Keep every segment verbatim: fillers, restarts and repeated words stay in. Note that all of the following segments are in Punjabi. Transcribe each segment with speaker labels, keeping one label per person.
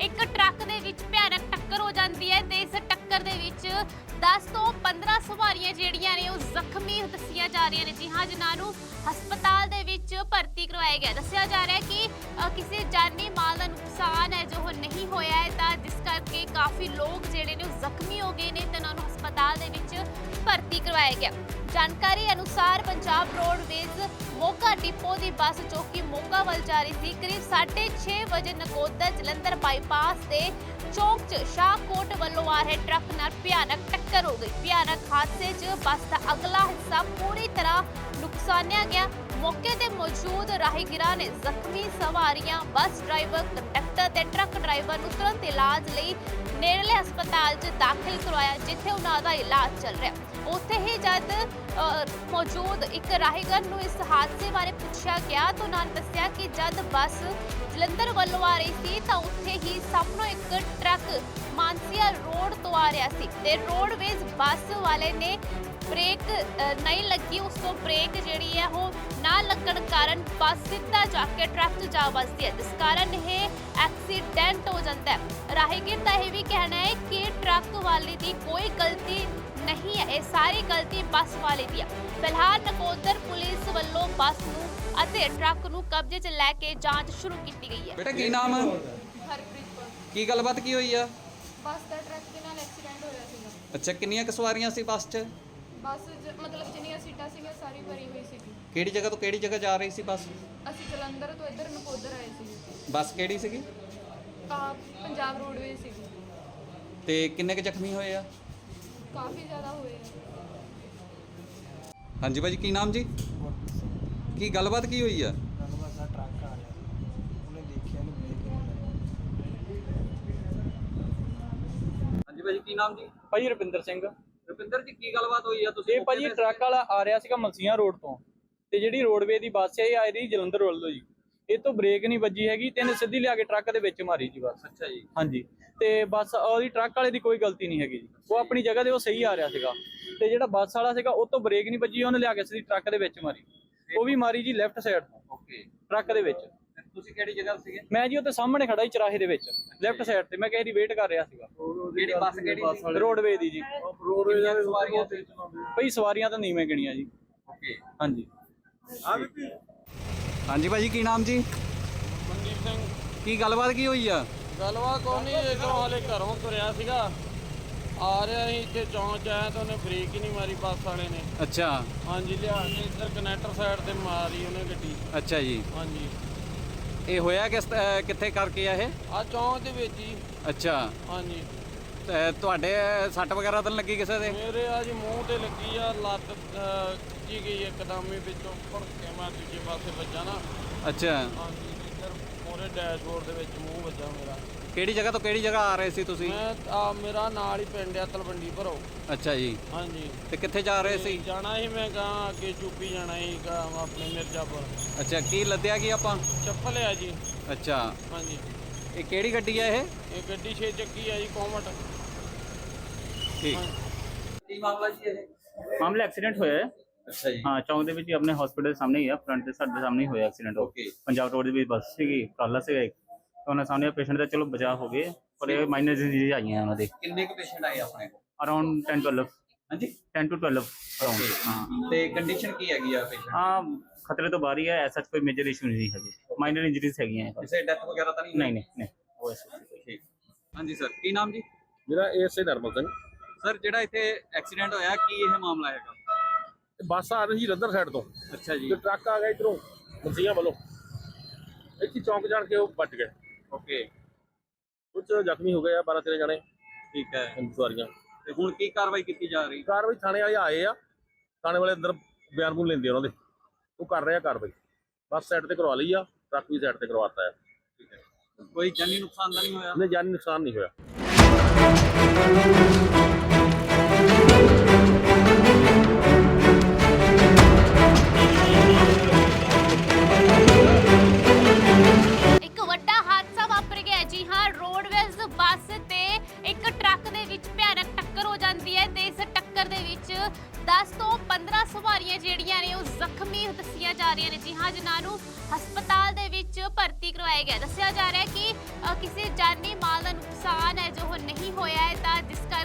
Speaker 1: ਇੱਕ ਟਰੱਕ ਦੇ ਵਿੱਚ ਭਿਆਨਕ ਟੱਕਰ ਹੋ ਜਾਂਦੀ ਹੈ ਤੇ ਇਸ ਟੱਕਰ ਦੇ ਵਿੱਚ ਦਸ ਤੋਂ ਪੰਦਰਾਂ ਸਵਾਰੀਆਂ ਜਿਹੜੀਆਂ ਨੇ ਉਹ ਜ਼ਖਮੀ ਦੱਸੀਆਂ ਜਾ ਰਹੀਆਂ ਨੇ। ਜੀ ਹਾਂ, ਜਿਨ੍ਹਾਂ ਨੂੰ ਹਸਪਤਾਲ ਦੇ ਵਿੱਚ ਭਰਤੀ ਕਰਵਾਇਆ ਗਿਆ। ਦੱਸਿਆ ਜਾ ਰਿਹਾ ਹੈ ਕਿ ਅ, ਕਿਸੇ ਜਾਨੀ ਮਾਲ ਦਾ ਨੁਕਸਾਨ ਹੈ ਜੋ ਨਹੀਂ ਹੋਇਆ ਹੈ, ਤਾਂ ਜਿਸ ਕਰਕੇ ਕਾਫੀ ਲੋਕ ਜਿਹੜੇ ਨੇ ਉਹ ਜ਼ਖਮੀ ਹੋ ਗਏ ਨੇ ਤੇ ਉਹਨਾਂ ਨੂੰ ਹਸਪਤਾਲ ਦੇ ਵਿੱਚ ਭਰਤੀ ਕਰਵਾਇਆ ਗਿਆ। ਜਾਣਕਾਰੀ ਅਨੁਸਾਰ ਪੰਜਾਬ ਰੋਡਵੇਜ਼ ਮੋਗਾ ਡਿਪੋ ਦੀ ਬੱਸ ਜੋ ਕਿ ਮੋਗਾ ਵੱਲ ਜਾ ਰਹੀ ਸੀ, ਕਰੀਬ ਸਾਢੇ ਛੇ ਵਜੇ ਨਕੋਦਰ ਜਲੰਧਰ ਬਾਈਪਾਸ ਤੇ ਚੌਕ 'ਚ ਸ਼ਾਹਕੋਟ ਵੱਲੋਂ ਆ ਰਹੇ ਟਰੱਕ ਨਾਲ ਭਿਆਨਕ ਟੱਕਰ ਹੋ ਗਈ। ਭਿਆਨਕ ਹਾਦਸੇ 'ਚ ਬੱਸ ਦਾ ਅਗਲਾ ਹਿੱਸਾ ਪੂਰੀ ਤਰ੍ਹਾਂ ਨੁਕਸਾਨਿਆ ਗਿਆ। ਮੌਕੇ ਤੇ ਮੌਜੂਦ ਰਾਹਗੀਰਾਂ ਨੇ ਜ਼ਖਮੀ ਸਵਾਰੀਆਂ, ਬੱਸ ਡਰਾਈਵਰ, ਕੰਡਕਟਰ ਤੇ ਟਰੱਕ ਡਰਾਈਵਰ ਨੂੰ ਤੁਰੰਤ ਇਲਾਜ ਲਈ ਨੇੜਲੇ ਹਸਪਤਾਲ 'ਚ ਦਾਖਲ ਕਰਵਾਇਆ, ਜਿੱਥੇ ਉਹਨਾਂ ਦਾ ਇਲਾਜ ਚੱਲ ਰਿਹਾ। ਉੱਥੇ ਹੀ ਜਦ ਮੌਜੂਦ ਇੱਕ ਰਾਹਗੀਰ ਨੂੰ ਇਸ ਹਾਦਸੇ ਬਾਰੇ ਪੁੱਛਿਆ ਗਿਆ ਤਾਂ ਉਹਨਾਂ ਨੇ ਦੱਸਿਆ ਕਿ ਜਦ ਬੱਸ ਜਲੰਧਰ ਵੱਲੋਂ ਆ ਰਹੀ ਸੀ ਤਾਂ ਉੱਥੇ ਹੀ ਸਾਹਮਣੋਂ ਇੱਕ ਟਰੱਕ ਮਾਨਸੀਆ ਰੋਡ ਤੋਂ ਆ ਰਿਹਾ ਸੀ ਤੇ ਰੋਡਵੇਜ਼ ਬੱਸ ਵਾਲੇ ਨੇ ਬ੍ਰੇਕ ਨਹੀਂ ਲੱਗੀ। ਉਸ ਤੋਂ ਬ੍ਰੇਕ ਜਿਹੜੀ ਹੈ ਉਹ ਨਾ ਲੱਗਣ ਕਾਰਨ ਬੱਸ ਸਿੱਧਾ ਜਾ ਕੇ ਟਰੱਕ 'ਚ ਜਾ ਵੱਜਦੀ ਹੈ, ਜਿਸ ਕਾਰਨ ਇਹ ਐਕਸੀਡੈਂਟ ਹੋ ਜਾਂਦਾ ਹੈ। ਰਾਹਗੀਰ ਦਾ ਇਹ ਵੀ ਕਹਿਣਾ ਹੈ ਕਿ ਟਰੱਕ ਵਾਲੇ ਦੀ ਕੋਈ ਗਲਤੀ ਨਹੀਂ ਹੈ, ਇਹ ਸਾਰੀ ਗਲਤੀ ਬੱਸ ਵਾਲੇ ਦੀ ਹੈ। ਫਿਲਹਾਲ ਨਕੋਦਰ ਪੁਲਿਸ ਵੱਲੋਂ ਬੱਸ ਨੂੰ ਅਤੇ ਟਰੱਕ ਨੂੰ ਕਬਜ਼ੇ 'ਚ ਲੈ ਕੇ ਜਾਂਚ ਸ਼ੁਰੂ ਕੀਤੀ ਗਈ ਹੈ।
Speaker 2: ਬੇਟਾ ਕੀ ਨਾਮ ਹੈ?
Speaker 3: ਹਰਪ੍ਰੀਤ ਕੌਰ।
Speaker 2: ਕੀ ਗੱਲਬਾਤ ਕੀ ਹੋਈ ਆ?
Speaker 3: ਬੱਸ ਦਾ ਟਰੱਕ ਦੇ ਨਾਲ ਐਕਸੀਡੈਂਟ ਹੋਇਆ ਸੀਗਾ।
Speaker 2: ਅੱਛਾ, ਕਿੰਨੀਆਂ ਕੁ ਸਵਾਰੀਆਂ ਸੀ ਬੱਸ 'ਚ?
Speaker 3: ਬੱਸ ਜ- ਮਤਲਬ ਜਿੰਨੀਆਂ ਸੀਟਾਂ ਸੀਗੀਆਂ ਸਾਰੀ ਭਰੀ ਹੋਈ ਸੀਗੀ।
Speaker 2: ਕਿਹੜੀ ਜਗ੍ਹਾ ਤੋਂ ਕਿਹੜੀ ਜਗ੍ਹਾ ਜਾ ਰਹੀ ਸੀ ਬੱਸ?
Speaker 3: ਅਸੀਂ ਜਲੰਧਰ ਤੋਂ ਇੱਧਰ ਨਕੋਦਰ ਆਏ ਸੀਗੇ।
Speaker 2: ਬੱਸ ਕਿਹੜੀ ਸੀਗੀ
Speaker 3: ਆ ਪੰਜਾਬ ਰੋਡਵੇਜ਼ ਸੀਗੀ।
Speaker 2: ਤੇ ਕਿੰਨੇ ਕੁ ਜ਼ਖਮੀ ਹੋਏ ਆ?
Speaker 3: ਕਾਫੀ ਜ਼ਿਆਦਾ ਹੋਏ ਆ।
Speaker 2: ਹਾਂਜੀ ਭਾਜੀ, ਕੀ ਨਾਮ ਜੀ? ਕੀ ਗੱਲਬਾਤ ਕੀ ਹੋਈ ਆ?
Speaker 4: ਗੱਲਬਾਤ ਦਾ ਟਰੱਕ ਆ ਰਿਹਾ ਉਹਨੇ ਦੇਖਿਆ ਨਹੀਂ ਬ੍ਰੇਕ ਨਹੀਂ
Speaker 2: ਹਾਂਜੀ ਭਾਜੀ, ਕੀ ਨਾਮ ਜੀ?
Speaker 5: ਭਾਜੀ ਰੁਪਿੰਦਰ ਸਿੰਘ।
Speaker 2: ਰੁਪਿੰਦਰ ਜੀ, ਕੀ ਗੱਲਬਾਤ ਹੋਈ ਆ? ਤੁਸੀਂ
Speaker 5: ਇਹ ਭਾਜੀ ਟਰੱਕ ਵਾਲਾ ਆ ਰਿਹਾ ਸੀਗਾ ਮਲਸੀਆਂ ਰੋਡ ਤੋਂ, ਤੇ ਜਿਹੜੀ ਰੋਡਵੇ ਦੀ ਬੱਸ ਹੈ ਇਹ ਆ ਰਹੀ ਜਲੰਧਰ ਵੱਲੋਂ ਜੀ। ਇਹ ਤੋਂ ਬ੍ਰੇਕ ਨਹੀਂ ਵੱਜੀ ਹੈਗੀ ਤੇ ਇਹਨੇ ਸਿੱਧੀ ਲਿਆ ਕੇ ਟਰੱਕ ਦੇ ਵਿੱਚ ਮਾਰੀ ਜੀ ਬੱਸ।
Speaker 2: ਅੱਛਾ ਜੀ।
Speaker 5: ਹਾਂਜੀ, ਤੇ ਬੱਸ ਉਹਦੀ ਟਰੱਕ ਵਾਲੇ ਦੀ ਕੋਈ ਗਲਤੀ ਨਹੀਂ ਹੈਗੀ ਜੀ, ਉਹ ਆਪਣੀ ਜਗ੍ਹਾ ਤੇ ਉਹ ਸਹੀ ਆ ਰਿਹਾ ਸੀਗਾ। ਤੇ ਜਿਹੜਾ ਬੱਸ ਵਾਲਾ ਸੀਗਾ ਉਹ ਤੋਂ ਬ੍ਰੇਕ ਨਹੀਂ ਵੱਜੀ, ਉਹਨੇ ਲਿਆ ਕੇ ਸਿੱਧੀ ਟਰੱਕ ਦੇ ਵਿੱਚ ਮਾਰੀ। ਉਹ ਵੀ ਮਾਰੀ ਜੀ ਲੈਫਟ ਸਾਈਡ ਤੋਂ
Speaker 2: ਓਕੇ।
Speaker 5: ਟਰੱਕ ਦੇ ਵਿੱਚ।
Speaker 2: ਤੁਸੀਂ ਕਿਹੜੀ ਜਗ੍ਹਾ ਸੀਗੇ?
Speaker 5: ਮੈਂ ਜੀ ਉੱਥੇ ਸਾਹਮਣੇ ਖੜਾ ਸੀ ਚਰਾਹੇ ਦੇ ਵਿੱਚ ਲੈਫਟ ਸਾਈਡ ਤੇ, ਮੈਂ ਕਿਸੇ ਦੀ ਵੇਟ ਕਰ ਰਿਹਾ ਸੀਗਾ।
Speaker 2: ਕਿਹੜੀ ਬੱਸ ਕਿਹੜੀ ਸੀ?
Speaker 5: ਰੋਡਵੇ ਦੀ ਜੀ।
Speaker 2: ਕਿੰਨੀਆਂ ਕੁ ਸਵਾਰੀਆਂ ਸੀ?
Speaker 5: ਭਾਈ ਸਵਾਰੀਆਂ ਤਾਂ ਨਹੀਂ ਮੈਂ ਗਿਣੀਆਂ ਜੀ।
Speaker 2: ਓਕੇ।
Speaker 5: ਹਾਂਜੀ।
Speaker 2: ਹਾਂਜੀ ਭਾਜੀ, ਕੀ ਨਾਮ ਜੀ?
Speaker 6: ਮਨਦੀਪ ਸਿੰਘ।
Speaker 2: ਕੀ ਗੱਲਬਾਤ ਕੀ ਹੋਈ ਆ?
Speaker 6: ਗੱਲਬਾਤ ਕੋਈ ਨਹੀਂ, ਇੱਧਰੋਂ ਹਾਲੇ ਘਰੋਂ ਤੁਰਿਆ ਸੀਗਾ, ਆ ਰਿਹਾ ਸੀ ਇੱਥੇ ਚੌਂਕ 'ਚ ਆਇਆ ਤਾਂ ਉਹਨੇ ਬ੍ਰੇਕ ਹੀ ਨਹੀਂ ਮਾਰੀ ਬੱਸ ਵਾਲੇ ਨੇ।
Speaker 2: ਅੱਛਾ।
Speaker 6: ਹਾਂਜੀ, ਲਿਆ ਕੇ ਇੱਧਰ ਕਨੈਕਟਰ ਸਾਈਡ ਤੇ ਮਾਰੀ ਉਹਨੇ ਗੱਡੀ।
Speaker 2: ਅੱਛਾ ਜੀ।
Speaker 6: ਹਾਂਜੀ,
Speaker 2: ਇਹ ਹੋਇਆ ਕਿਸ ਅਹ ਕਿੱਥੇ ਕਰਕੇ ਆ ਇਹ?
Speaker 6: ਆ ਚੌਂਕ ਦੇ ਵਿੱਚ ਹੀ।
Speaker 2: ਅੱਛਾ।
Speaker 6: ਹਾਂਜੀ,
Speaker 2: ਤੇ ਤੁਹਾਡੇ ਸੱਟ ਵਗੈਰਾ ਤਾਂ ਨੀ ਲੱਗੀ ਕਿਸੇ ਦੇ?
Speaker 6: ਮੇਰੇ ਆ ਜੀ ਮੂੰਹ ਤੇ ਲੱਗੀ ਆ, ਲੱਤ ਅਹ, ਖਿੱਚੀ ਗਈ ਇੱਕਦਮ ਹੀ ਵਿੱਚੋਂ ਭੜ ਕੇ ਮੈਂ ਦੂਜੇ ਪਾਸੇ ਵੱਜਾ ਨਾ।
Speaker 2: ਅੱਛਾ।
Speaker 6: ਹਾਂਜੀ, ਇੱਧਰ ਮੋਰੇ ਡੈਸ਼ਬੋਰਡ ਦੇ ਵਿੱਚ ਮੂੰਹ ਵੱਜਾ ਮੇਰਾ।
Speaker 2: ਕਿਹੜੀ ਜਗ੍ਹਾ ਤੋਂ ਕਿਹੜੀ ਜਗ੍ਹਾ ਆ ਰਹੇ ਸੀ ਤੁਸੀਂ?
Speaker 6: ਮੈਂ ਆ ਮੇਰਾ ਨਾਲ ਹੀ ਪਿੰਡ ਆ ਤਲਵੰਡੀ ਭਰੋ।
Speaker 2: ਅੱਛਾ ਜੀ।
Speaker 6: ਹਾਂਜੀ,
Speaker 2: ਤੇ ਕਿੱਥੇ ਜਾ ਰਹੇ ਸੀ?
Speaker 6: ਜਾਣਾ ਸੀ ਮੈਂ ਗਾਂ ਅੱਗੇ ਯੂਪੀ ਜਾਣਾ ਸੀ ਗਾ ਆਪਣੇ ਮਿਰਜ਼ਾਪੁਰ।
Speaker 2: ਅੱਛਾ, ਕੀ ਲੱਦਿਆ ਕੀ ਆਪਾਂ?
Speaker 6: ਚੱਪਲ ਆ ਜੀ।
Speaker 2: ਅੱਛਾ।
Speaker 6: ਹਾਂਜੀ,
Speaker 2: ਇਹ ਕਿਹੜੀ ਗੱਡੀ ਆ ਇਹ?
Speaker 6: ਇਹ ਗੱਡੀ ਛੇ ਚੱਕੀ ਆ ਜੀ, ਕੋਮਟ।
Speaker 2: ਠੀਕ। ਕੀ ਮਾਮਲਾ ਜੀ ਇਹ?
Speaker 7: ਮਾਮਲਾ ਐਕਸੀਡੈਂਟ ਹੋਇਆ ਹੈ।
Speaker 2: ਅੱਛਾ ਜੀ।
Speaker 7: ਹਾਂ, ਚੌਂਕ ਦੇ ਵਿੱਚ ਹੀ ਆਪਣੇ ਹਸਪੀਟਲ ਦੇ ਸਾਹਮਣੇ ਹੀ ਆ, ਫਰੰਟ ਦੇ ਸਾਡੇ ਸਾਹਮਣੇ ਹੀ ਹੋਇਆ ਐਕਸੀਡੈਂਟ।
Speaker 2: ਓਕੇ।
Speaker 7: ਪੰਜਾਬ ਰੋਡ ਦੀ ਵੀ ਬੱਸ ਸੀਗੀ, ਕਾਲਾ ਸੀਗਾ ਇੱਕ, ਤਾਂ ਉਹਨਾਂ ਸਾਹਮਣੇ ਪੇਸ਼ੈਂਟ ਦਾ ਚਲੋ ਬਚਾਅ ਹੋ ਗਏ, ਪਰ ਇਹ ਮਾਈਨਰ ਡਿਜ਼ੀਜ਼ ਆਈਆਂ ਉਹਨਾਂ ਦੇ।
Speaker 2: ਕਿੰਨੇ ਕੁ ਪੇਸ਼ੈਂਟ ਆਏ ਆਪਣੇ ਕੋਲ?
Speaker 7: Around ten twelve.
Speaker 2: ਹਾਂਜੀ,
Speaker 7: ਟੈਨ ਟੂ ਟਵੈਲਵ ਅਰਾਊਂਡ। ਹਾਂ
Speaker 2: ਤੇ ਕੰਡੀਸ਼ਨ ਕੀ ਹੈਗੀ ਆ ਪੇਸ਼ੈਂਟ?
Speaker 7: ਹਾਂ, ਖਤਰੇ ਤੋਂ ਬਾਹਰ ਹੀ ਹੈ, ਐਸਾ ਕੋਈ ਮੇਜਰ ਇਸ਼ੂ ਨਹੀਂ ਹੈਗੇ, ਮਾਈਨਰ ਇੰਜਰੀਜ਼ ਹੈਗੀਆਂ ਇਹ ਬਸ।
Speaker 2: ਕਿਸੇ ਡੈਥ ਵਗੈਰਾ ਤਾਂ ਨਹੀਂ?
Speaker 7: ਨਹੀਂ ਨਹੀਂ ਨਹੀਂ, ਉਹ ਐਸਾ
Speaker 2: ਠੀਕ। ਹਾਂਜੀ ਸਰ, ਕੀ ਨਾਮ ਜੀ?
Speaker 8: ਮੇਰਾ ਏਐਸਏ ਨਰਮਲ ਸਿੰਘ।
Speaker 2: ਸਰ, ਜਿਹੜਾ ਇੱਥੇ ਐਕਸੀਡੈਂਟ ਹੋਇਆ, ਕੀ ਇਹ ਮਾਮਲਾ ਹੈਗਾ?
Speaker 8: ਬੱਸ ਆ ਰਹੀ ਸੀ ਜਲੰਧਰ ਸਾਈਡ ਤੋਂ,
Speaker 2: ਅੱਛਾ ਜੀ।
Speaker 8: ਤੇ ਟਰੱਕ ਆ ਗਿਆ ਇਧਰੋਂ ਮਸੀਆਂ ਵੱਲੋਂ, ਇੱਥੇ ਚੌਂਕ ਜਾਣ ਕੇ ਉਹ ਵੱਜ ਗਏ।
Speaker 2: ਓਕੇ।
Speaker 8: ਕੁਝ ਜ਼ਖਮੀ ਹੋ ਗਏ ਆ, ਬਾਰਾਂ ਤੇਰਾਂ ਜਣੇ
Speaker 2: ਠੀਕ ਹੈ।
Speaker 8: ਸਵਾਰੀਆਂ।
Speaker 2: ਤੇ ਹੁਣ ਕੀ ਕਾਰਵਾਈ ਕੀਤੀ ਜਾ ਰਹੀ?
Speaker 8: ਕਾਰਵਾਈ ਥਾਣੇ ਵਾਲੇ ਆਏ ਆ, ਥਾਣੇ ਵਾਲੇ ਅੰਦਰ ਬਿਆਨ ਬੂਨ ਲੈਂਦੇ ਉਹਨਾਂ ਦੇ, ਉਹ ਕਰ ਰਹੇ ਆ ਕਾਰਵਾਈ। ਬੱਸ ਸਾਈਡ ਤੇ ਕਰਵਾ ਲਈ ਆ, ਟਰੱਕ ਵੀ ਸਾਈਡ ਤੇ ਕਰਵਾਤਾ ਹੈ।
Speaker 2: ਠੀਕ ਹੈ। ਕੋਈ ਜਾਨੀ ਨੁਕਸਾਨ ਤਾਂ ਨਹੀਂ ਹੋਇਆ?
Speaker 8: ਉਹਨੇ ਜਾਨੀ ਨੁਕਸਾਨ ਨਹੀਂ ਹੋਇਆ।
Speaker 1: ਇੱਕ ਵੱਡਾ ਹਾਦਸਾ ਵਾਪਰ ਗਿਆ। ਜੀ ਹਾਂ, ਰੋਡਵੇਜ਼ ਬੱਸ ਤੇ ਇੱਕ ਟਰੱਕ ਦੇ ਵਿੱਚ ਭਿਆਨਕ ਟੱਕਰ ਹੋ ਜਾਂਦੀ ਹੈ ਤੇ ਇਸ ਟੱਕਰ ਦੇ ਵਿੱਚ ਦਸ ਤੋਂ ਪੰਦਰਾਂ ਸਵਾਰੀਆਂ ਜਿਹੜੀਆਂ ਨੇ ਉਹ ਜ਼ਖਮੀ ਦੱਸੀਆਂ ਜਾ ਰਹੀਆਂ ਨੇ। ਜੀ ਹਾਂ, ਜਿਨ੍ਹਾਂ ਨੂੰ ਹਸਪਤਾਲ ਦੇ ਵਿੱਚ ਭਰਤੀ ਕਰਵਾਇਆ ਗਿਆ। ਦੱਸਿਆ ਜਾ ਰਿਹਾ ਹੈ ਕਿ ਅ, ਕਿਸੇ ਜਾਨੀ ਮਾਲ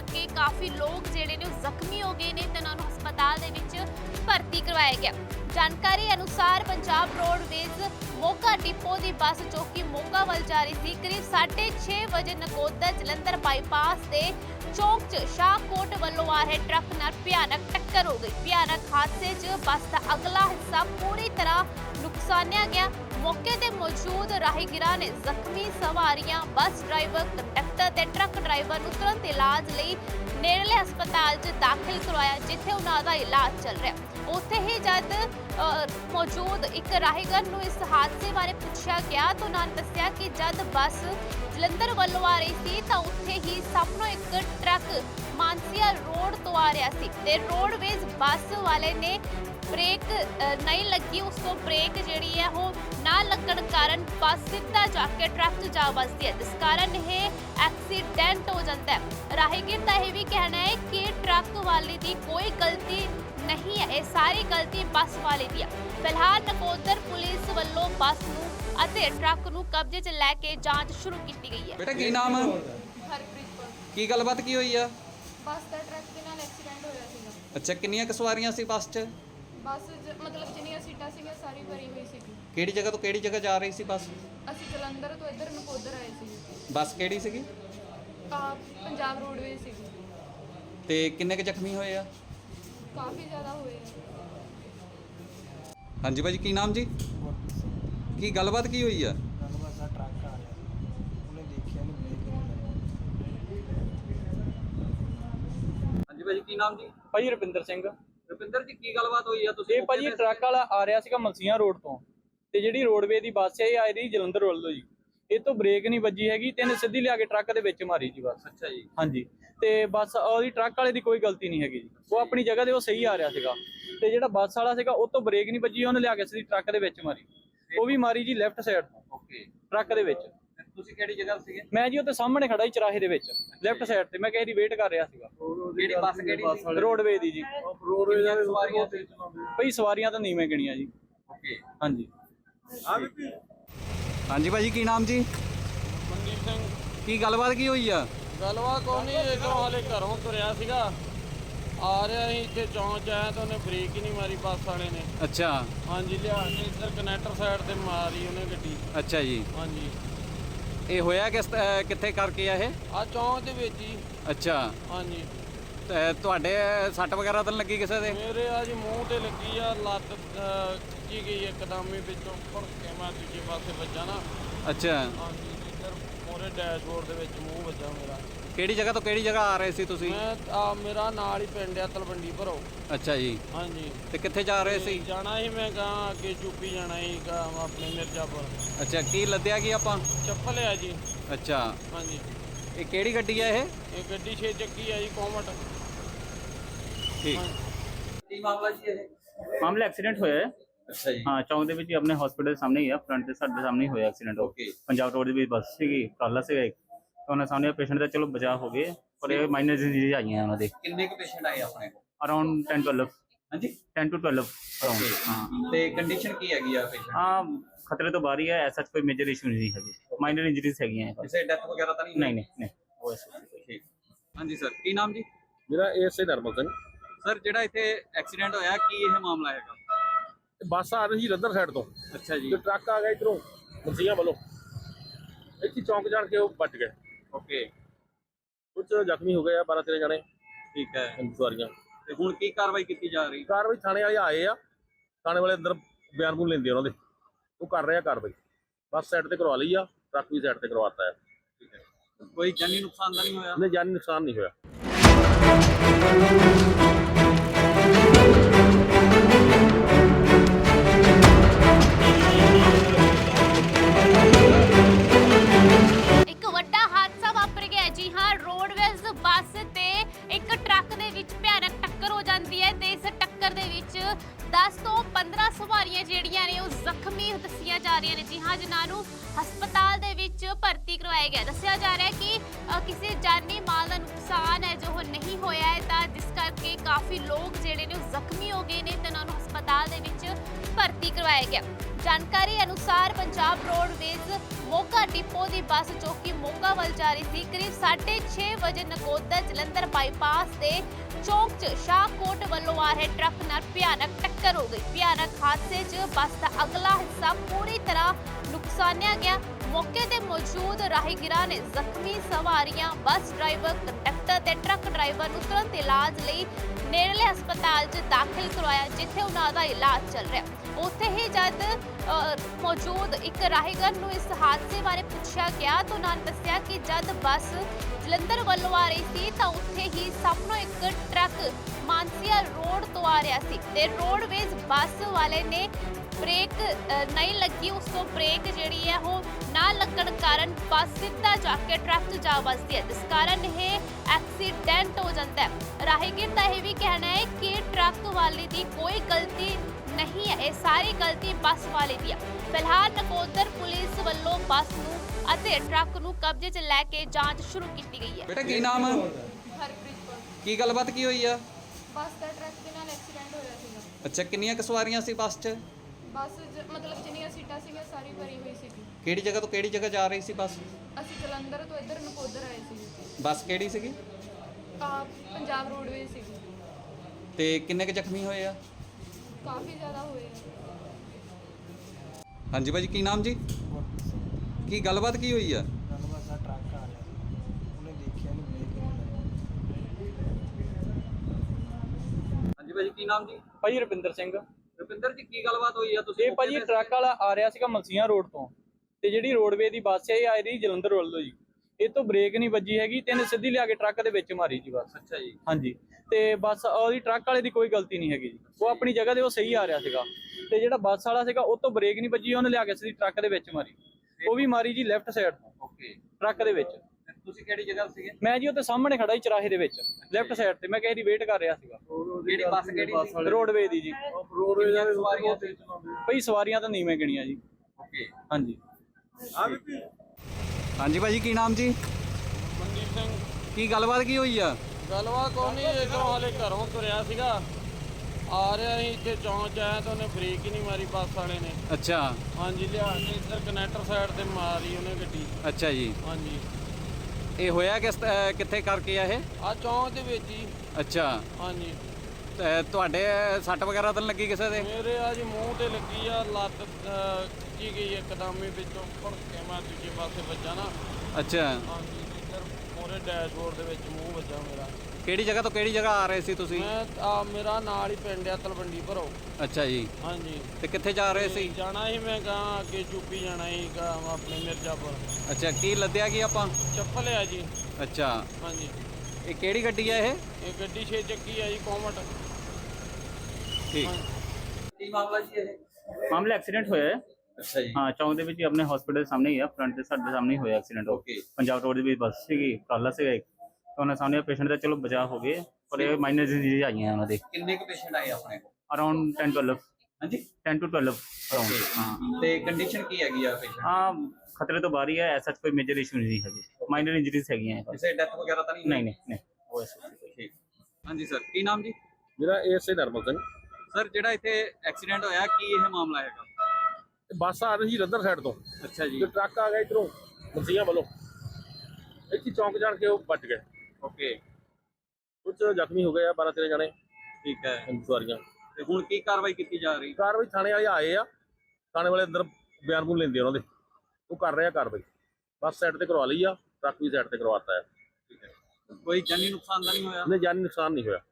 Speaker 1: ਕਿ ਕਾਫੀ ਲੋਕ ਜਿਹੜੇ ਨੇ ਉਹ ਜ਼ਖਮੀ ਹੋ ਗਏ ਨੇ ਤੇ ਉਹਨਾਂ ਨੂੰ ਹਸਪਤਾਲ ਦੇ ਵਿੱਚ ਭਰਤੀ ਕਰਵਾਇਆ ਗਿਆ। ਜਾਣਕਾਰੀ ਅਨੁਸਾਰ ਪੰਜਾਬ ਰੋਡਵੇਜ਼ ਮੋਗਾ ਡਿਪੋ ਦੀ ਬੱਸ ਜੋ ਕਿ ਮੋਗਾ ਵੱਲ ਜਾ ਰਹੀ ਸੀ, ਕਰੀਬ ਸਾਢੇ ਛੇ ਵਜੇ ਨਕੋਦਰ ਜਲੰਧਰ ਬਾਈਪਾਸ ਤੇ ਚੌਕ 'ਚ ਸ਼ਾਹਕੋਟ ਵੱਲੋਂ ਆ ਰਹੇ ਟਰੱਕ ਨਾਲ ਭਿਆਨਕ ਟੱਕਰ ਹੋ ਗਈ। ਭਿਆਨਕ ਹਾਦਸੇ 'ਚ ਬੱਸ ਦਾ ਅਗਲਾ ਹਿੱਸਾ ਪੂਰੀ ਤਰ੍ਹਾਂ ਨੁਕਸਾਨਿਆ ਗਿਆ। ਮੌਕੇ ਤੇ ਮੌਜੂਦ ਰਾਹਗੀਰਾਂ ਨੇ ਜ਼ਖਮੀ ਸਵਾਰੀਆਂ, ਬੱਸ ਡਰਾਈਵਰ, ਕੰਡਕਟਰ ਤੇ ਟਰੱਕ ਡਰਾਈਵਰ ਨੂੰ ਤੁਰੰਤ ਇਲਾਜ ਲਈ ਨੇੜਲੇ ਹਸਪਤਾਲ 'ਚ ਦਾਖਲ ਕਰਵਾਇਆ, ਜਿੱਥੇ ਉਹਨਾਂ ਦਾ ਇਲਾਜ ਚੱਲ ਰਿਹਾ। ਉੱਥੇ ਹੀ ਜਦ ਮੌਜੂਦ ਇੱਕ ਰਾਹਗੀਰ ਨੂੰ ਇਸ ਹਾਦਸੇ ਬਾਰੇ ਪੁੱਛਿਆ ਗਿਆ ਤਾਂ ਉਹਨਾਂ ਨੇ ਦੱਸਿਆ ਕਿ ਜਦ ਬੱਸ ਜਲੰਧਰ ਵੱਲੋਂ ਆ ਰਹੀ ਸੀ ਤਾਂ ਉੱਥੇ ਹੀ ਸਾਹਮਣੋਂ ਇੱਕ ਟਰੱਕ ਮਾਨਸੀਆ ਰੋਡ ਤੋਂ ਆ ਰਿਹਾ ਸੀ ਤੇ ਰੋਡਵੇਜ਼ ਬੱਸ ਵਾਲੇ ਨੇ ਬ੍ਰੇਕ ਨਹੀਂ ਲੱਗੀ। ਉਸ ਤੋਂ ਬ੍ਰੇਕ ਜਿਹੜੀ ਹੈ ਉਹ ਨਾ ਲੱਗਣ ਕਾਰਨ ਬੱਸ ਸਿੱਧਾ ਜਾ ਕੇ ਟਰੱਕ 'ਚ ਜਾ ਵੱਜਦੀ ਹੈ, ਜਿਸ ਕਾਰਨ ਇਹ ਐਕਸੀਡੈਂਟ ਹੋ ਜਾਂਦਾ ਹੈ। ਰਾਹਗੀਰ ਦਾ ਇਹ ਵੀ ਕਹਿਣਾ ਹੈ ਕਿ ਟਰੱਕ ਵਾਲੇ ਦੀ ਕੋਈ ਗਲਤੀ ਨਹੀਂ ਹੈ, ਇਹ ਸਾਰੀ ਗਲਤੀ ਬੱਸ ਵਾਲੇ ਦੀ ਹੈ। ਫਿਲਹਾਲ ਨਕੋਦਰ ਪੁਲਿਸ ਵੱਲੋਂ ਬੱਸ ਨੂੰ ਅਤੇ ਟਰੱਕ ਨੂੰ ਕਬਜ਼ੇ 'ਚ ਲੈ ਕੇ ਜਾਂਚ ਸ਼ੁਰੂ ਕੀਤੀ ਗਈ ਹੈ।
Speaker 2: ਬੇਟਾ ਕੀ ਨਾਮ ਹੈ?
Speaker 3: ਹਰਪ੍ਰੀਤ ਕੌਰ।
Speaker 2: ਕੀ ਗੱਲਬਾਤ ਕੀ ਹੋਈ ਆ?
Speaker 3: ਬੱਸ ਦਾ ਟਰੱਕ ਦੇ ਨਾਲ ਐਕਸੀਡੈਂਟ ਹੋਇਆ ਸੀਗਾ।
Speaker 2: ਅੱਛਾ, ਕਿੰਨੀਆਂ ਕੁ ਸਵਾਰੀਆਂ ਸੀ ਬੱਸ 'ਚ?
Speaker 3: ਬੱਸ ਜ- ਮਤਲਬ ਜਿੰਨੀਆਂ ਸੀਟਾਂ ਸੀਗੀਆਂ ਸਾਰੀ ਭਰੀ ਹੋਈ ਸੀਗੀ।
Speaker 2: ਕਿਹੜੀ ਜਗ੍ਹਾ ਤੋਂ ਕਿਹੜੀ ਜਗ੍ਹਾ ਜਾ ਰਹੀ ਸੀ ਬੱਸ?
Speaker 3: ਅਸੀਂ ਜਲੰਧਰ ਤੋਂ ਇੱਧਰ ਨਕੋਦਰ ਆਏ ਸੀ।
Speaker 2: ਬੱਸ ਕਿਹੜੀ ਸੀਗੀ?
Speaker 3: ਆ ਪੰਜਾਬ ਰੋਡਵੇਜ਼ ਸੀਗੀ।
Speaker 2: ਤੇ ਕਿੰਨੇ ਕੁ ਜ਼ਖਮੀ ਹੋਏ ਆ?
Speaker 3: ਕਾਫੀ ਜ਼ਿਆਦਾ ਹੋਏ ਆ।
Speaker 2: ਹਾਂਜੀ ਭਾਜੀ, ਕੀ ਨਾਮ ਜੀ?
Speaker 4: ਗੁਰਪ੍ਰੀਤ ਸਿੰਘ।
Speaker 2: ਕੀ ਗੱਲਬਾਤ ਕੀ ਹੋਈ ਆ?
Speaker 4: ਗੱਲਬਾਤ ਦਾ ਟਰੱਕ ਆ ਰਿਹਾ ਸੀ, ਉਹਨੇ ਦੇਖਿਆ ਨਹੀਂ, ਬ੍ਰੇਕ ਨਹੀਂ ਲਾਇਆ।
Speaker 2: ਹਾਂਜੀ ਭਾਜੀ, ਕੀ ਨਾਮ ਜੀ?
Speaker 5: ਭਾਜੀ ਰੁਪਿੰਦਰ ਸਿੰਘ।
Speaker 2: ਰੁਪਿੰਦਰ ਜੀ, ਕੀ ਗੱਲਬਾਤ ਹੋਈ ਆ? ਤੁਸੀਂ
Speaker 5: ਇਹ ਭਾਜੀ ਟਰੱਕ ਵਾਲਾ ਆ ਰਿਹਾ ਸੀਗਾ ਮਲਸੀਆਂ ਰੋਡ ਤੋਂ ਤੇ ਜਿਹੜੀ ਰੋਡਵੇ ਦੀ ਬੱਸ ਹੈ ਇਹ ਆ ਰਹੀ ਜਲੰਧਰ ਵੱਲੋਂ ਜੀ। ਇਹ ਤੋਂ ਬ੍ਰੇਕ ਨਹੀਂ ਵੱਜੀ ਹੈਗੀ ਤੇ ਇਹਨੇ ਸਿੱਧੀ ਲਿਆ ਕੇ ਟਰੱਕ ਦੇ ਵਿੱਚ ਮਾਰੀ ਜੀ ਬੱਸ।
Speaker 2: ਅੱਛਾ ਜੀ।
Speaker 5: ਹਾਂਜੀ, ਤੇ ਬੱਸ ਉਹਦੀ ਟਰੱਕ ਵਾਲੇ ਦੀ ਕੋਈ ਗਲਤੀ ਨਹੀਂ ਹੈਗੀ ਜੀ, ਉਹ ਆਪਣੀ ਜਗ੍ਹਾ ਤੇ ਉਹ ਸਹੀ ਆ ਰਿਹਾ ਸੀਗਾ ਤੇ ਜਿਹੜਾ ਬੱਸ ਵਾਲਾ ਸੀਗਾ ਉਹ ਤੋਂ ਬ੍ਰੇਕ ਨਹੀਂ ਵੱਜੀ, ਉਹਨੇ ਲਿਆ ਕੇ ਸਿੱਧੀ ਟਰੱਕ ਦੇ ਵਿੱਚ ਮਾਰੀ। ਉਹ ਵੀ ਮਾਰੀ ਜੀ ਲੈਫਟ ਸਾਈਡ ਤੋਂ
Speaker 2: ਓਕੇ।
Speaker 5: ਟਰੱਕ ਦੇ ਵਿੱਚ।
Speaker 2: ਤੁਸੀਂ ਕਿਹੜੀ ਜਗ੍ਹਾ ਸੀਗੇ?
Speaker 5: ਮੈਂ ਜੀ ਉੱਥੇ ਸਾਹਮਣੇ ਖੜਾ ਹੀ ਚਰਾਹੇ ਦੇ ਵਿੱਚ ਲੈਫਟ ਸਾਈਡ ਤੇ, ਮੈਂ ਕਿਸੇ ਦੀ ਵੇਟ ਕਰ ਰਿਹਾ ਸੀਗਾ।
Speaker 2: ਕਿਹੜੀ ਬੱਸ ਕਿਹੜੀ ਸੀ?
Speaker 5: ਰੋਡਵੇ ਦੀ ਜੀ।
Speaker 2: ਰੋਡਵੇਜ਼ ਦੀਆਂ ਸਵਾਰੀਆਂ ਸੀ?
Speaker 5: ਭਾਈ ਸਵਾਰੀਆਂ ਤਾਂ ਨਹੀਂ ਮੈਂ ਗਿਣੀਆਂ ਜੀ।
Speaker 2: ਓਕੇ।
Speaker 5: ਹਾਂਜੀ।
Speaker 2: ਹਾਂਜੀ ਭਾਜੀ, ਕੀ ਨਾਮ ਜੀ?
Speaker 6: ਮਨਦੀਪ ਸਿੰਘ।
Speaker 2: ਕੀ ਗੱਲਬਾਤ ਕੀ ਹੋਈ ਆ?
Speaker 6: ਗੱਲਬਾਤ ਕੋਈ ਨਹੀਂ, ਇਧਰੋਂ ਹਾਲੇ ਘਰੋਂ ਤੁਰਿਆ ਸੀਗਾ, ਆ ਰਿਹਾ ਸੀ ਇੱਥੇ ਚੌਂਕ 'ਚ ਆਇਆ ਤਾਂ ਉਹਨੇ ਬ੍ਰੇਕ ਹੀ ਨਹੀਂ ਮਾਰੀ ਬੱਸ ਵਾਲੇ ਨੇ।
Speaker 2: ਅੱਛਾ।
Speaker 6: ਹਾਂਜੀ, ਲਿਆ ਕੇ ਇੱਧਰ ਕਨੈਕਟਰ ਸਾਈਡ ਤੇ ਮਾਰੀ ਉਹਨੇ ਗੱਡੀ।
Speaker 2: ਅੱਛਾ ਜੀ।
Speaker 6: ਹਾਂਜੀ,
Speaker 2: ਇਹ ਹੋਇਆ ਕਿਸ ਅਹ ਕਿੱਥੇ ਕਰਕੇ ਆ ਇਹ?
Speaker 6: ਆ ਚੌਂਕ ਦੇ ਵਿੱਚ ਹੀ।
Speaker 2: ਅੱਛਾ।
Speaker 6: ਹਾਂਜੀ,
Speaker 2: ਤੇ ਤੁਹਾਡੇ ਸੱਟ ਵਗੈਰਾ ਤਾਂ ਨੀ ਲੱਗੀ ਕਿਸੇ ਦੇ?
Speaker 6: ਮੇਰੇ ਆ ਜੀ ਮੂੰਹ ਤੇ ਲੱਗੀ ਆ, ਲੱਤ ਅਹ, ਖਿੱਚੀ ਗਈ ਇੱਕਦਮ ਹੀ, ਵਿੱਚੋਂ ਭੜ ਕੇ ਮੈਂ ਦੂਜੇ ਪਾਸੇ ਵੱਜਾ ਨਾ।
Speaker 2: ਅੱਛਾ।
Speaker 6: ਹਾਂਜੀ, ਇੱਧਰ ਮੋਰੇ ਡੈਸ਼ਬੋਰਡ ਦੇ ਵਿੱਚ ਮੂੰਹ ਵੱਜਾ ਮੇਰਾ।
Speaker 2: ਕਿਹੜੀ ਜਗ੍ਹਾ ਤੋਂ ਕਿਹੜੀ ਜਗ੍ਹਾ ਆ ਰਹੇ ਸੀ ਤੁਸੀਂ?
Speaker 6: ਮੈਂ ਆ ਮੇਰਾ ਨਾਲ ਹੀ ਪਿੰਡ ਆ ਤਲਵੰਡੀ ਭਰੋ।
Speaker 2: ਅੱਛਾ ਜੀ।
Speaker 6: ਹਾਂਜੀ,
Speaker 2: ਤੇ ਕਿੱਥੇ ਜਾ ਰਹੇ ਸੀ?
Speaker 6: ਜਾਣਾ ਸੀ ਮੈਂ ਗਾਂ ਅੱਗੇ ਯੂਪੀ ਜਾਣਾ ਸੀ ਗਾਂ ਆਪਣੇ ਮਿਰਜ਼ਾਪੁਰ।
Speaker 2: ਅੱਛਾ, ਕੀ ਲੱਦਿਆ ਕੀ ਆਪਾਂ?
Speaker 6: ਚੱਪਲ ਆ ਜੀ।
Speaker 2: ਅੱਛਾ।
Speaker 6: ਹਾਂਜੀ,
Speaker 2: ਇਹ ਕਿਹੜੀ ਗੱਡੀ ਆ ਇਹ?
Speaker 6: ਇਹ ਗੱਡੀ ਛੇ ਚੱਕੀ ਆ ਜੀ, ਕੋਮਟ।
Speaker 2: ਠੀਕ। ਕੀ ਮਾਮਲਾ ਜੀ ਇਹ?
Speaker 7: ਮਾਮਲਾ ਐਕਸੀਡੈਂਟ ਹੋਇਆ ਹੈ।
Speaker 2: ਅੱਛਾ ਜੀ।
Speaker 7: ਹਾਂ, ਚੌਂਕ ਦੇ ਵਿੱਚ ਹੀ ਆਪਣੇ ਹਸਪੀਟਲ ਦੇ ਸਾਹਮਣੇ ਹੀ ਆ, ਫਰੰਟ ਦੇ ਸਾਡੇ ਸਾਹਮਣੇ ਹੀ ਹੋਇਆ ਐਕਸੀਡੈਂਟ।
Speaker 2: ਓਕੇ।
Speaker 7: ਪੰਜਾਬ ਰੋਡ ਦੀ ਵੀ ਬੱਸ ਸੀਗੀ, ਕਾਲਾ ਸੀਗਾ ਇੱਕ, ਤਾਂ ਉਹਨਾਂ ਸਾਹਮਣੇ ਪੇਸ਼ੈਂਟ ਦਾ ਚਲੋ ਬਚਾਅ ਹੋ ਗਏ, ਪਰ ਇਹ ਮਾਈਨਰ ਡਿਜ਼ੀਜ਼ ਆਈਆਂ ਉਹਨਾਂ ਦੇ।
Speaker 2: ਕਿੰਨੇ ਕੁ ਪੇਸ਼ੈਂਟ ਆਏ ਆਪਣੇ ਕੋਲ?
Speaker 7: Around ten twelve.
Speaker 2: ਹਾਂਜੀ।
Speaker 7: Ten to twelve around. ਹਾਂ
Speaker 2: ਤੇ ਕੰਡੀਸ਼ਨ ਕੀ ਹੈਗੀ ਆ ਪੇਸ਼ੈਂਟ?
Speaker 7: ਹਾਂ, ਖਤਰੇ ਤੋਂ ਬਾਹਰ ਹੀ ਹੈ, ਐਸਾ ਕੋਈ ਮੇਜਰ ਇਸ਼ੂ ਨਹੀਂ ਹੈਗੇ, ਮਾਈਨਰ ਇੰਜਰੀਜ਼ ਹੈਗੀਆਂ ਬਸ।
Speaker 2: ਕਿਸੇ ਡੈਥ ਵਗੈਰਾ ਤਾਂ ਨਹੀਂ?
Speaker 7: ਨਹੀਂ ਨਹੀਂ ਨਹੀਂ ਉਹ ਐਸਾ ਕੋਈ।
Speaker 2: ਠੀਕ। ਹਾਂਜੀ ਸਰ, ਕੀ ਨਾਮ ਜੀ?
Speaker 8: ਮੇਰਾ ਏਐਸਏ ਨਰਮਲ ਸਿੰਘ।
Speaker 2: ਸਰ, ਜਿਹੜਾ ਇੱਥੇ ਐਕਸੀਡੈਂਟ ਹੋਇਆ, ਕੀ ਇਹ ਮਾਮਲਾ ਹੈਗਾ?
Speaker 8: ਬੱਸ ਆ ਰਹੀ ਸੀ ਜਲੰਧਰ ਸਾਈਡ ਤੋਂ
Speaker 2: ਅੱਛਾ ਜੀ।
Speaker 8: ਤੇ ਟਰੱਕ ਆ ਗਿਆ ਇਧਰੋਂ ਮਸੀਆਂ ਵੱਲੋਂ, ਇੱਥੇ ਚੌਂਕ ਜਾਣ ਕੇ ਉਹ ਵੱਜ ਗਏ।
Speaker 2: ਓਕੇ।
Speaker 8: ਕੁਝ ਜ਼ਖਮੀ ਹੋ ਗਏ ਆ, ਬਾਰਾਂ ਤੇਰਾਂ ਜਣੇ
Speaker 2: ਠੀਕ ਹੈ।
Speaker 8: ਸਵਾਰੀਆਂ।
Speaker 2: ਤੇ ਹੁਣ ਕੀ ਕਾਰਵਾਈ ਕੀਤੀ ਜਾ ਰਹੀ?
Speaker 8: ਕਾਰਵਾਈ ਥਾਣੇ ਵਾਲੇ ਆਏ ਆ, ਥਾਣੇ ਵਾਲੇ ਅੰਦਰ ਬਿਆਨ ਬੂਨ ਲੈਂਦੇ ਉਹਨਾਂ ਦੇ, ਉਹ ਕਰ ਰਿਹਾ ਕਾਰਵਾਈ। ਬੱਸ ਸਾਈਡ ਤੇ ਕਰਵਾ ਲਈ ਆ, ਟਰੱਕ ਵੀ ਸਾਈਡ ਤੇ ਕਰਵਾਤਾ ਹੈ।
Speaker 2: ਠੀਕ ਹੈ। ਕੋਈ ਜਾਨੀ ਨੁਕਸਾਨ ਤਾਂ ਨਹੀਂ ਹੋਇਆ?
Speaker 8: ਨਹੀਂ, ਜਾਨੀ ਨੁਕਸਾਨ ਨਹੀਂ ਹੋਇਆ।
Speaker 1: ਇੱਕ ਵੱਡਾ ਹਾਦਸਾ ਵਾਪਰ ਗਿਆ। ਜੀ ਹਾਂ, ਰੋਡਵੇਜ਼ ਬੱਸ ਤੇ ਇੱਕ ਟਰੱਕ ਦੇ ਵਿੱਚ ਭਿਆਨਕ ਟੱਕਰ ਹੋ ਜਾਂਦੀ ਹੈ ਤੇ ਇਸ ਟੱਕਰ ਦੇ ਵਿੱਚ ਦਸ ਤੋਂ ਪੰਦਰਾਂ ਸਵਾਰੀਆਂ ਜਿਹੜੀਆਂ ਨੇ ਉਹ ਜ਼ਖਮੀ ਦੱਸੀਆਂ ਜਾ ਰਹੀਆਂ ਨੇ। ਜੀ ਹਾਂ, ਜਿਨ੍ਹਾਂ ਨੂੰ ਹਸਪਤਾਲ ਦੇ ਵਿੱਚ ਭਰਤੀ ਕਰਵਾਇਆ ਗਿਆ। ਦੱਸਿਆ ਦੱਸਿਆ ਜਾ ਰਿਹਾ ਹੈ ਕਿ ਅ, ਕਿਸੇ ਜਾਨੀ ਮਾਲ ਦਾ ਨੁਕਸਾਨ ਹੈ ਜੋ ਉਹ ਨਹੀਂ ਹੋਇਆ ਹੈ, ਤਾਂ ਜਿਸ ਕਰਕੇ ਕਾਫੀ ਲੋਕ ਜਿਹੜੇ ਨੇ ਉਹ ਜ਼ਖਮੀ ਹੋ ਗਏ ਨੇ ਤੇ ਉਹਨਾਂ ਨੂੰ ਹਸਪਤਾਲ ਦੇ ਵਿੱਚ ਭਰਤੀ ਕਰਵਾਇਆ ਗਿਆ। ਜਾਣਕਾਰੀ ਅਨੁਸਾਰ ਪੰਜਾਬ ਰੋਡਵੇਜ਼ ਮੋਗਾ ਡਿਪੋ ਦੀ ਬੱਸ ਜੋ ਕਿ ਮੋਗਾ ਵੱਲ ਜਾ ਰਹੀ ਸੀ, ਕਰੀਬ ਸਾਢੇ ਛੇ ਵਜੇ ਨਕੋਦਰ ਜਲੰਧਰ ਬਾਈਪਾਸ ਤੇ ਚੌਕ 'ਚ ਸ਼ਾਹਕੋਟ ਵੱਲੋਂ ਆ ਰਹੇ ਟਰੱਕ ਨਾਲ ਭਿਆਨਕ ਟੱਕਰ ਹੋ ਗਈ। ਭਿਆਨਕ ਹਾਦਸੇ 'ਚ ਬੱਸ ਦਾ ਅਗਲਾ ਹਿੱਸਾ ਪੂਰੀ ਤਰ੍ਹਾਂ ਨੁਕਸਾਨਿਆ ਗਿਆ। ਮੌਕੇ ਤੇ ਮੌਜੂਦ ਰਾਹਗੀਰਾਂ ਨੇ ਜ਼ਖਮੀ ਸਵਾਰੀਆਂ, ਬੱਸ ਡਰਾਈਵਰ, ਕੰਡਕਟਰ ਤੇ ਟਰੱਕ ਡਰਾਈਵਰ ਨੂੰ ਤੁਰੰਤ ਇਲਾਜ ਲਈ ਨੇੜਲੇ ਹਸਪਤਾਲ 'ਚ ਦਾਖਲ ਕਰਵਾਇਆ, ਜਿੱਥੇ ਉਹਨਾਂ ਦਾ ਇਲਾਜ ਚੱਲ ਰਿਹਾ। ਉੱਥੇ ਹੀ ਜਦ ਅ, ਮੌਜੂਦ ਇੱਕ ਰਾਹਗੀਰ ਨੂੰ ਇਸ ਹਾਦਸੇ ਬਾਰੇ ਪੁੱਛਿਆ ਗਿਆ ਤਾਂ ਉਹਨਾਂ ਨੇ ਦੱਸਿਆ ਕਿ ਜਦ ਬੱਸ ਜਲੰਧਰ ਵੱਲੋਂ ਆ ਰਹੀ ਸੀ ਤਾਂ ਉੱਥੇ ਹੀ ਸਾਹਮਣੋਂ ਇੱਕ ਟਰੱਕ ਮਾਨਸੀਆ ਰੋਡ ਤੋਂ ਆ ਰਿਹਾ ਸੀ ਤੇ ਰੋਡਵੇਜ਼ ਬੱਸ ਵਾਲੇ ਨੇ ਬ੍ਰੇਕ ਅ, ਨਹੀਂ ਲੱਗੀ। ਉਸ ਤੋਂ ਬ੍ਰੇਕ ਜਿਹੜੀ ਹੈ ਉਹ ਨਾ ਲੱਗਣ ਕਾਰਨ ਬੱਸ ਸਿੱਧਾ ਜਾ ਕੇ ਟਰੱਕ 'ਚ ਜਾ ਵੱਜਦੀ ਹੈ, ਜਿਸ ਕਾਰਨ ਇਹ ਐਕਸੀਡੈਂਟ ਹੋ ਜਾਂਦਾ ਹੈ। ਰਾਹਗੀਰ ਦਾ ਇਹ ਵੀ ਕਹਿਣਾ ਹੈ ਕਿ ਟਰੱਕ ਵਾਲੇ ਦੀ ਕੋਈ ਗਲਤੀ ਨਹੀਂ ਹੈ, ਇਹ ਸਾਰੀ ਗਲਤੀ ਬੱਸ ਵਾਲੇ ਦੀ ਹੈ। ਫਿਲਹਾਲ ਨਕੋਦਰ ਪੁਲਿਸ ਵੱਲੋਂ ਬੱਸ ਨੂੰ ਅਤੇ ਟਰੱਕ ਨੂੰ ਕਬਜ਼ੇ 'ਚ ਲੈ ਕੇ ਜਾਂਚ ਸ਼ੁਰੂ ਕੀਤੀ ਗਈ ਹੈ।
Speaker 2: ਬੇਟਾ ਕੀ ਨਾਮ ਹੈ?
Speaker 3: ਹਰਪ੍ਰੀਤ ਕੌਰ।
Speaker 2: ਕੀ ਗੱਲਬਾਤ ਕੀ ਹੋਈ ਆ?
Speaker 3: ਬੱਸ ਦਾ ਟਰੱਕ ਦੇ ਨਾਲ ਐਕਸੀਡੈਂਟ ਹੋਇਆ ਸੀਗਾ।
Speaker 2: ਅੱਛਾ, ਕਿੰਨੀਆਂ ਕੁ ਸਵਾਰੀਆਂ ਸੀ ਬੱਸ 'ਚ?
Speaker 3: ਬੱਸ ਜ- ਮਤਲਬ ਜਿੰਨੀਆਂ ਸੀਟਾਂ ਸੀਗੀਆਂ ਸਾਰੀ ਭਰੀ ਹੋਈ ਸੀਗੀ।
Speaker 2: ਕਿਹੜੀ ਜਗ੍ਹਾ ਤੋਂ ਕਿਹੜੀ ਜਗ੍ਹਾ ਜਾ ਰਹੀ ਸੀ ਬੱਸ?
Speaker 3: ਅਸੀਂ ਜਲੰਧਰ ਤੋਂ ਇੱਧਰ ਨਕੋਦਰ ਆਏ ਸੀਗੇ।
Speaker 2: ਬੱਸ ਕਿਹੜੀ ਸੀਗੀ?
Speaker 3: ਆ ਪੰਜਾਬ ਰੋਡਵੇਜ਼ ਸੀਗੀ।
Speaker 2: ਤੇ ਕਿੰਨੇ ਕੁ ਜ਼ਖਮੀ ਹੋਏ ਆ?
Speaker 3: ਕਾਫੀ ਜ਼ਿਆਦਾ ਹੋਏ ਆ।
Speaker 2: ਹਾਂਜੀ ਭਾਜੀ, ਕੀ ਨਾਮ ਜੀ?
Speaker 4: ਗੁਰਪ੍ਰੀਤ ਸਿੰਘ।
Speaker 2: ਕੀ ਗੱਲਬਾਤ ਕੀ ਹੋਈ ਆ?
Speaker 4: ਗੱਲਬਾਤ ਦਾ ਟਰੱਕ ਆ ਰਿਹਾ ਸੀ, ਉਹਨੇ ਦੇਖਿਆ ਨਹੀਂ, ਬ੍ਰੇਕ ਹੀ ਨਹੀਂ ਲਾਇਆ।
Speaker 2: ਹਾਂਜੀ ਭਾਜੀ, ਕੀ ਨਾਮ ਜੀ?
Speaker 5: ਭਾਈ ਰੁਪਿੰਦਰ ਸਿੰਘ।
Speaker 2: ਰੁਪਿੰਦਰ ਜੀ, ਕੀ ਗੱਲਬਾਤ ਹੋਈ ਆ? ਤੁਸੀਂ
Speaker 5: ਇਹ ਭਾਜੀ ਟਰੱਕ ਵਾਲਾ ਆ ਰਿਹਾ ਸੀਗਾ ਮਲਸੀਆਂ ਰੋਡ ਤੋਂ ਤੇ ਜਿਹੜੀ ਰੋਡਵੇ ਦੀ ਬੱਸ ਹੈ ਇਹ ਆ ਰਹੀ ਜਲੰਧਰ ਵੱਲੋਂ ਜੀ। ਇਹ ਤੋਂ ਬ੍ਰੇਕ ਨਹੀਂ ਵੱਜੀ ਹੈਗੀ ਤੇ ਇਹਨੇ ਸਿੱਧੀ ਲਿਆ ਕੇ ਟਰੱਕ ਦੇ ਵਿੱਚ ਮਾਰੀ ਜੀ ਬੱਸ।
Speaker 2: ਅੱਛਾ ਜੀ।
Speaker 5: ਹਾਂਜੀ, ਤੇ ਬੱਸ ਉਹਦੀ ਟਰੱਕ ਵਾਲੇ ਦੀ ਕੋਈ ਗਲਤੀ ਨਹੀਂ ਹੈਗੀ ਜੀ, ਉਹ ਆਪਣੀ ਜਗ੍ਹਾ ਤੇ ਉਹ ਸਹੀ ਆ ਰਿਹਾ ਸੀਗਾ ਤੇ ਜਿਹੜਾ ਬੱਸ ਵਾਲਾ ਸੀਗਾ ਉਹ ਤੋਂ ਬ੍ਰੇਕ ਨਹੀਂ ਵੱਜੀ, ਉਹਨੇ ਲਿਆ ਕੇ ਸਿੱਧੀ ਟਰੱਕ ਦੇ ਵਿੱਚ ਮਾਰੀ। ਉਹ ਵੀ ਮਾਰੀ ਜੀ ਲੈਫਟ ਸਾਈਡ ਤੋਂ
Speaker 2: ਓਕੇ।
Speaker 5: ਟਰੱਕ ਦੇ ਵਿੱਚ।
Speaker 2: ਤੁਸੀਂ ਕਿਹੜੀ ਜਗ੍ਹਾ ਸੀਗੇ?
Speaker 5: ਮੈਂ ਜੀ ਉੱਥੇ ਸਾਹਮਣੇ ਖੜਾ ਸੀ ਚਰਾਹੇ ਦੇ ਵਿੱਚ ਲੈਫਟ ਸਾਈਡ ਤੇ, ਮੈਂ ਕਿਸੇ ਦੀ ਵੇਟ ਕਰ ਰਿਹਾ ਸੀਗਾ।
Speaker 2: ਕਿਹੜੀ ਬੱਸ ਕਿਹੜੀ ਸੀ?
Speaker 5: ਰੋਡਵੇ ਦੀ ਜੀ।
Speaker 2: ਕਿੰਨੀਆਂ ਕੁ ਸਵਾਰੀਆਂ ਸੀ?
Speaker 5: ਭਾਈ ਸਵਾਰੀਆਂ ਤਾਂ ਨਹੀਂ ਮੈਂ ਗਿਣੀਆਂ ਜੀ।
Speaker 2: ਓਕੇ।
Speaker 5: ਹਾਂਜੀ।
Speaker 2: ਹਾਂਜੀ ਭਾਜੀ, ਕੀ ਨਾਮ ਜੀ?
Speaker 6: ਮਨਦੀਪ ਸਿੰਘ।
Speaker 2: ਕੀ ਗੱਲਬਾਤ ਕੀ ਹੋਈ ਆ?
Speaker 6: ਗੱਲਬਾਤ ਕੋਈ ਨਹੀਂ, ਇੱਧਰੋਂ ਹਾਲੇ ਘਰੋਂ ਤੁਰਿਆ ਸੀਗਾ, ਆ ਰਿਹਾ ਸੀ ਇੱਥੇ ਚੌਂਕ 'ਚ ਆਇਆ ਤਾਂ ਉਹਨੇ ਬ੍ਰੇਕ ਹੀ ਨਹੀਂ ਮਾਰੀ ਬੱਸ ਵਾਲੇ ਨੇ।
Speaker 2: ਅੱਛਾ
Speaker 6: ਹਾਂਜੀ, ਲਿਆ ਕੇ ਇੱਧਰ ਕਨੈਕਟਰ ਸਾਈਡ ਤੇ ਮਾਰੀ ਉਹਨੇ ਗੱਡੀ।
Speaker 2: ਅੱਛਾ ਜੀ।
Speaker 6: ਹਾਂਜੀ,
Speaker 2: ਇਹ ਹੋਇਆ ਕਿਸ ਅਹ ਕਿੱਥੇ ਕਰਕੇ ਆ ਇਹ?
Speaker 6: ਆ ਚੌਂਕ ਦੇ ਵਿੱਚ ਹੀ।
Speaker 2: ਅੱਛਾ,
Speaker 6: ਹਾਂਜੀ,
Speaker 2: ਤੇ ਤੁਹਾਡੇ ਸੱਟ ਵਗੈਰਾ ਤਾਂ ਨੀ ਲੱਗੀ ਕਿਸੇ ਦੇ?
Speaker 6: ਮੇਰੇ ਆ ਜੀ ਮੂੰਹ ਤੇ ਲੱਗੀ ਆ, ਲੱਤ ਅਹ, ਖਿੱਚੀ ਗਈ ਇੱਕਦਮ ਹੀ, ਵਿੱਚੋਂ ਫੜ ਕੇ ਮੈਂ ਦੂਜੇ ਪਾਸੇ ਵੱਜਾ ਨਾ।
Speaker 2: ਅੱਛਾ,
Speaker 6: ਹਾਂਜੀ, ਇੱਧਰ ਮੋਰੇ ਡੈਸ਼ਬੋਰਡ ਦੇ ਵਿੱਚ ਮੂੰਹ ਵੱਜਾ ਮੇਰਾ।
Speaker 2: ਕਿਹੜੀ ਜਗ੍ਹਾ ਤੋਂ ਕਿਹੜੀ ਜਗ੍ਹਾ ਆ ਰਹੇ ਸੀ ਤੁਸੀਂ?
Speaker 6: ਮੈਂ ਆ ਮੇਰਾ ਨਾਲ ਹੀ ਪਿੰਡ ਆ ਤਲਵੰਡੀ ਭਰੋ।
Speaker 2: ਅੱਛਾ ਜੀ।
Speaker 6: ਹਾਂਜੀ,
Speaker 2: ਤੇ ਕਿੱਥੇ ਜਾ ਰਹੇ ਸੀ?
Speaker 6: ਜਾਣਾ ਸੀ ਮੈਂ ਕਹਾਂ ਅੱਗੇ ਯੂਪੀ ਜਾਣਾ ਸੀ ਗਾ ਆਪਣੇ ਮਿਰਜ਼ਾਪੁਰ।
Speaker 2: ਅੱਛਾ, ਕੀ ਲੱਦਿਆ ਕੀ ਆਪਾਂ?
Speaker 6: ਚੱਪਲ ਆ ਜੀ।
Speaker 2: ਅੱਛਾ,
Speaker 6: ਹਾਂਜੀ,
Speaker 2: ਇਹ ਕਿਹੜੀ ਗੱਡੀ ਆ ਇਹ?
Speaker 6: ਇਹ ਗੱਡੀ ਛੇ ਚੱਕੀ ਆ ਜੀ, ਕੋਮਟ।
Speaker 2: ਠੀਕ। ਕੀ ਮਾਮਲਾ ਜੀ ਇਹ?
Speaker 7: ਮਾਮਲਾ ਐਕਸੀਡੈਂਟ ਹੋਇਆ ਹੈ।
Speaker 2: ਅੱਛਾ ਜੀ।
Speaker 7: ਹਾਂ, ਚੌਂਕ ਦੇ ਵਿੱਚ ਹੀ ਆਪਣੇ ਹਸਪੀਟਲ ਸਾਹਮਣੇ ਹੀ ਆ, ਫਰੰਟ ਦੇ ਸਾਡੇ ਸਾਹਮਣੇ ਹੀ ਹੋਇਆ ਐਕਸੀਡੈਂਟ।
Speaker 2: ਓਕੇ।
Speaker 7: ਪੰਜਾਬ ਰੋਡ ਦੇ ਵਿੱਚ ਬੱਸ ਸੀਗੀ, ਕਾਲਾ ਸੀਗਾ ਇੱਕ, ਤਾਂ ਉਹਨਾਂ ਸਾਹਮਣੇ ਪੇਸ਼ੈਂਟ ਦਾ ਚਲੋ ਬਚਾਅ ਹੋ ਗਏ, ਪਰ ਇਹ ਮਾਈਨਰ ਡਿਜ਼ੀਜ਼ ਆਈਆਂ ਉਹਨਾਂ ਦੇ।
Speaker 2: ਕਿੰਨੇ ਕੁ ਪੇਸ਼ੈਂਟ ਆਏ ਆਪਣੇ ਕੋਲ?
Speaker 7: Around ten twelve.
Speaker 2: ਹਾਂਜੀ,
Speaker 7: ਟੈਨ ਟੂ ਟਵੈਲਵ ਅਰਾਊਂਡ। ਹਾਂ
Speaker 2: ਤੇ ਕੰਡੀਸ਼ਨ ਕੀ ਹੈਗੀ ਆ ਪੇਸ਼ੈਂਟ?
Speaker 7: ਹਾਂ, ਖਤਰੇ ਤੋਂ ਬਾਹਰ ਹੀ ਹੈ, ਐਸਾ ਕੋਈ ਮੇਜਰ ਇਸ਼ੂ ਨਹੀਂ ਹੈਗੇ, ਮਾਈਨਰ ਇੰਜਰੀਜ਼ ਹੈਗੀਆਂ ਬਸ।
Speaker 2: ਕਿਸੇ ਡੈਥ ਵਗੈਰਾ ਤਾਂ ਨਹੀਂ?
Speaker 7: ਨਹੀਂ ਨਹੀਂ ਨਹੀਂ ਉਹ ਐਸਾ ਕੋਈ।
Speaker 2: ਠੀਕ। ਹਾਂਜੀ ਸਰ, ਕੀ ਨਾਮ ਜੀ?
Speaker 8: ਮੇਰਾ ਏਐਸਏ ਨਰਮਲ ਸਿੰਘ।
Speaker 2: ਸਰ, ਜਿਹੜਾ ਇੱਥੇ ਐਕਸੀਡੈਂਟ ਹੋਇਆ, ਕੀ ਇਹ ਮਾਮਲਾ ਹੈਗਾ?
Speaker 8: ਬੱਸ ਆ ਰਹੀ ਸੀ ਜਲੰਧਰ ਸਾਈਡ ਤੋਂ
Speaker 2: ਅੱਛਾ ਜੀ।
Speaker 8: ਤੇ ਟਰੱਕ ਆ ਗਿਆ ਇਧਰੋਂ ਮਸੀਆਂ ਵੱਲੋਂ, ਇੱਥੇ ਚੌਂਕ ਜਾਣ ਕੇ ਉਹ ਵੱਜ ਗਏ।
Speaker 2: ਓਕੇ।
Speaker 8: ਕੁਝ ਜ਼ਖਮੀ ਹੋ ਗਏ ਆ, ਬਾਰਾਂ ਤੇਰਾਂ ਜਣੇ
Speaker 2: ਠੀਕ ਹੈ।
Speaker 8: ਸਵਾਰੀਆਂ।
Speaker 2: ਤੇ ਹੁਣ ਕੀ ਕਾਰਵਾਈ ਕੀਤੀ ਜਾ ਰਹੀ?
Speaker 8: ਕਾਰਵਾਈ ਥਾਣੇ ਵਾਲੇ ਆਏ ਆ, ਥਾਣੇ ਵਾਲੇ ਅੰਦਰ ਬਿਆਨ ਬੂਨ ਲੈਂਦੇ ਉਹਨਾਂ ਦੇ, ਉਹ ਕਰ ਰਿਹਾ ਕਾਰਵਾਈ। ਬੱਸ ਸਾਈਡ ਤੇ ਕਰਵਾ ਲਈ ਆ, ਟਰੱਕ ਵੀ ਸਾਈਡ ਤੇ ਕਰਵਾਤਾ ਹੈ।
Speaker 2: ਕੋਈ ਜਾਨੀ ਨੁਕਸਾਨ ਤਾਂ ਨਹੀਂ ਹੋਇਆ?
Speaker 8: ਨਹੀਂ, ਜਾਨੀ ਨੁਕਸਾਨ ਨਹੀਂ ਹੋਇਆ।